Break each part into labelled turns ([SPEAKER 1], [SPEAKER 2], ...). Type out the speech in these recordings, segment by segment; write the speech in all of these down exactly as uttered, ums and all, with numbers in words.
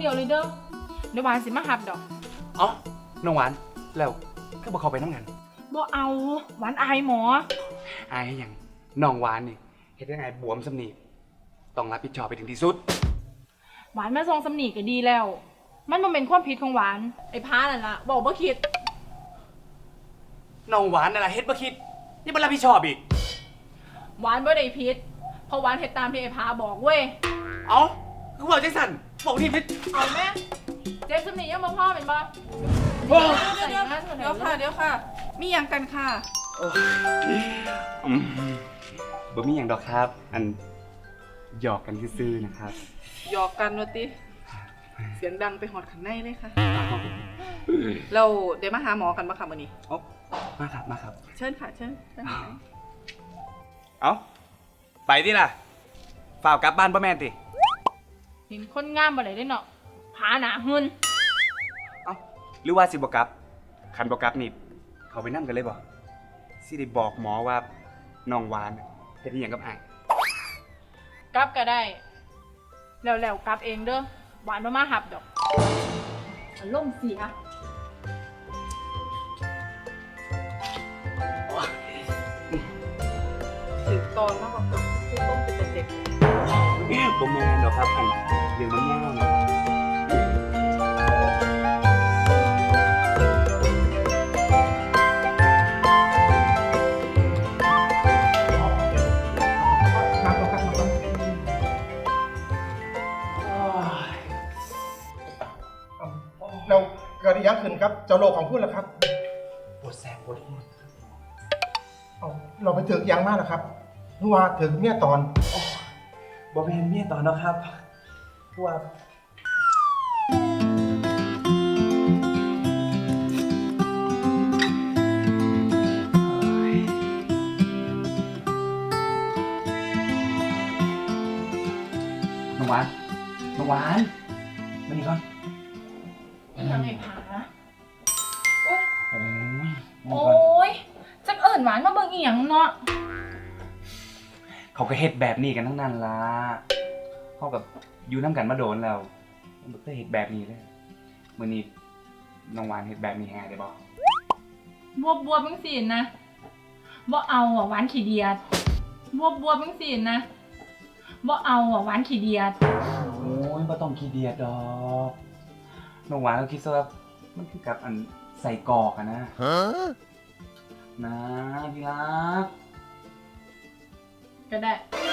[SPEAKER 1] ดียวเลยเด้อเดี๋ยวหวานสิมาหับดอก
[SPEAKER 2] เอ้าน้องหวานแล้วก็บอกเขาไปน้ำกัน
[SPEAKER 1] บ่เอาหวานอายหมอ
[SPEAKER 2] อายให้หยังน้องหวานนี่เฮ็ดยังไงบวมสำนีต้องรับผิดชอบไปถึงที่สุด
[SPEAKER 1] หวานมาทรงสำนีก็ดีแล้ว มันบ่เป็นความผิดของหวานไอ้พานั่นล่ะบอกบ่คิด
[SPEAKER 2] น้องหวานนั่นแหละเฮ็ดบ่คิดยังบ่รับผิดชอบอีก
[SPEAKER 1] หวานบ่ได้ผิดเพราะหวานเฮ็ดตามที่ไอ้พาบอกเว้ย
[SPEAKER 2] เอ้าคือบอกจังสั่นบอกที่ผิด
[SPEAKER 1] เอาแม่เจ็บสำนียังบ่พ่อเป็นบ่
[SPEAKER 2] โอ้
[SPEAKER 1] เดี๋ยวเดี๋ยวเดี๋ยวค่ะเดี๋ยวค่ะมีหยังกันค่ะ
[SPEAKER 2] อืมบ่มีหยังดอกครับ อันหยอกกันซื่อๆนะครับ
[SPEAKER 3] หยอกกันวะติเสียงดังไปหอดขันในเลยค่ะ เราเดี๋ยวมาหาหมอกันมาค่ะวันนี้
[SPEAKER 2] โอ้มาครับมาครับ
[SPEAKER 3] เชิญค่ะเชิญเชิญค่ะ
[SPEAKER 2] เอ้าไปดิล่ะฝ่าวกลับบ้านบ่แม่นติ
[SPEAKER 1] เห็นคนงามบ่ได้เด้เนาะพาหนาหึน
[SPEAKER 2] เอ้าหรือว่าสิบ่กลับคันบ่กลับนี่เขาไปนั่งกันเลยบ่สิได้บอกหมอว่าน้องหวานเฮ็ดอีหยังกับอ้าย
[SPEAKER 1] กลับก็ได้แล้วๆกลับเองเด้อหวานบ่มาหับดอกอารมณ์เสีย
[SPEAKER 3] ถึงตอนมากกว่าคือต้มเป็นเด็ก
[SPEAKER 2] บ่แม่นดอกครับอันเรื่องมันยาวนะครับ
[SPEAKER 4] น้ำก่อนครับน้ำก่อนเราเกิดอีกอย่างขึ้นครับเจ้าโลกของพูดแล้วครับ
[SPEAKER 2] ปวดแสบปวดหัว
[SPEAKER 4] เอาเราไปถึงยังมากแล้วครับนัวถึงเมียตอน
[SPEAKER 2] บ่แม่นเมียตอนเนาะครับเพราะว่าน้องหวานน้องหวานมานี่ก่อน
[SPEAKER 1] ยังไงผาโอ๊ย
[SPEAKER 2] โอ้ยมา
[SPEAKER 1] โอ้
[SPEAKER 2] นี่ก่อน
[SPEAKER 1] ยจักเอิญหวานมาเบิ่งอีหยังเนาะ
[SPEAKER 2] เขาก็เฮ็ดแบบนี้กันทั้งนั้นล่ะเขากับอยู่น้ำกันมาโดนแล้วมันบ่เคยเฮ็ดแบบนี้เลยมื้อนี้น้องหวานเฮ็ดแบบนี้แฮได้บ่
[SPEAKER 1] บวบบวบจังซี่นะบ่เอาอ่ะหวานขี้เดียดบวบบวบจังซี่นะบ่เอาอ่ะหวานขี้เดียด
[SPEAKER 2] โอ้ยบ่ต้องขี้เดียดดอกน้องหวานก็คิดซะว่ามันคือกับอันใส่กรอกอะนะฮะนะที่รัก
[SPEAKER 1] ก็ได้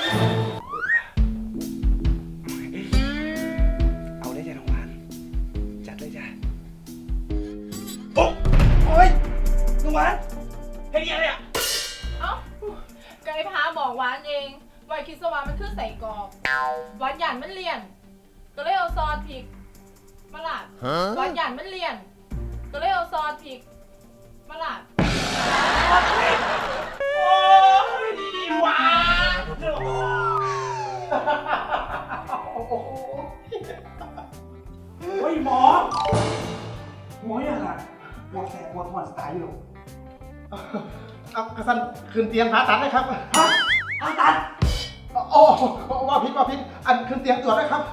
[SPEAKER 2] เอาได้จ้ะน้องหวานจัดเลยจ้ะโอ้โอ้ยน้องหวานเฮ็ดอีหยังเนี่ย
[SPEAKER 1] เอ้าไก่พาบอกหวานเองว่าคิดซะว่ามันคือใส่กรอกหวานหยานมันเลี่ยน ก็เลยเอาซอสพริกมาลาดหวานหยานมันเลี่ยน ก็เลยเอาซอสพริกมาลาด
[SPEAKER 2] โอ้ยหวานโอ้ยหมอหมออย่างไรปวดแสบปวดหัวสไตล์อยู่
[SPEAKER 4] เอากระสันขึ้นเตียงผ่าตัดเลยครับ
[SPEAKER 2] ฮะผ่าตัด
[SPEAKER 4] โอ้ว่าพิษว่าพิษอันขึ้นเตียงตรวจเลยครับ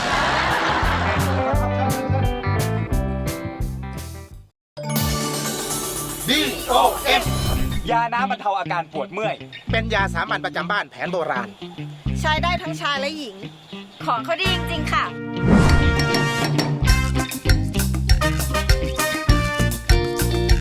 [SPEAKER 4] ดี โอ เอฟ
[SPEAKER 2] ยาน้ำบรรเทาอาการปวดเมื่อย
[SPEAKER 4] เป็นยาสามัญประจำบ้านแผนโบราณ
[SPEAKER 5] ใช้ได้ทั้งชายและหญิง ของเขาดีจริงๆค่ะ